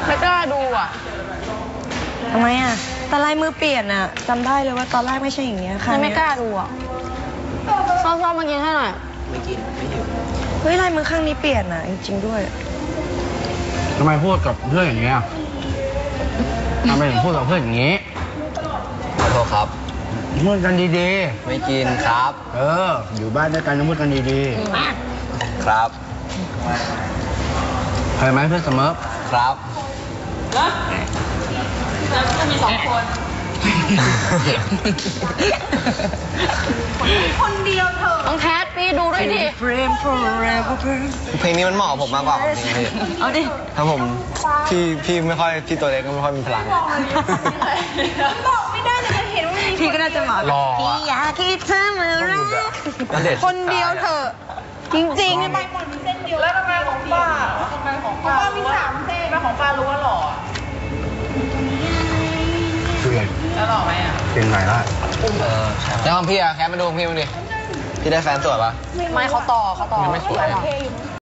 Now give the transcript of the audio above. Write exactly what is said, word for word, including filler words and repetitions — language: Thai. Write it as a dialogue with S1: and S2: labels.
S1: ไม่กล้าดูอ่ะ
S2: ทำไมอ่ะตอนลายมือเปลี่ยนอ่ะจำได้เลยว่าตอนแรกไม่ใช่อย่างเงี้ยค่ะ
S1: ไม่กล้าดูอ่ะชอบชอบมากินให้หน่อย
S3: ไม่กินไม่หิว
S2: เฮ้ยลายมือข้างนี้เปลี่ยนอ่ะจริงๆด้วย
S4: ทำไมพูดกับเพื่อนอย่างเงี้ยทำไมถึงพูดกับเพื่อนอย่างงี้
S3: ขอโทษครับ
S4: พูดกันดีๆ
S3: ไม่กินครับ
S4: เอออยู่บ้านด้วยกันต้องพูดกันดีๆ
S3: ครับ
S4: เคยไหมเพื่อนเสมอ
S3: ครับ
S1: แล้วจะมีสองคนคนเดียวเถอะต้องแคทพี่ดูด้วยดิ
S3: เพลงนี้มันเหมาะกับผมมากกว่าจริงๆพี่
S2: เอาดิ
S3: ถ้าผมพี่พี่ไม่ค่อยพี่ตัวเล็กก็ไม่ค่อยมีพลัง
S1: บอกไม่ได้เลยเห็นว่ามี
S2: พี่ก็น่าจะเหมาะ
S4: รอ
S2: พี่อยากคิดเธอมารัก
S1: คนเดียวเถอะจริงๆไปหมดมีเส้นเดียวแล้วทำไมของป้าทำไมของป้ามีสามเส้นมาของป้ารู้ว่าหล่อ
S4: คือไง
S1: แล้วหล่อไหมอ่ะ
S4: เป็นไงล่ะ
S3: เออแล้วของพี่อะแคทมาดูพี่มาดิพี่ได้แฟนสวยปะ
S1: ไม่เขาต่อเขาต่อ
S3: ไม่สวย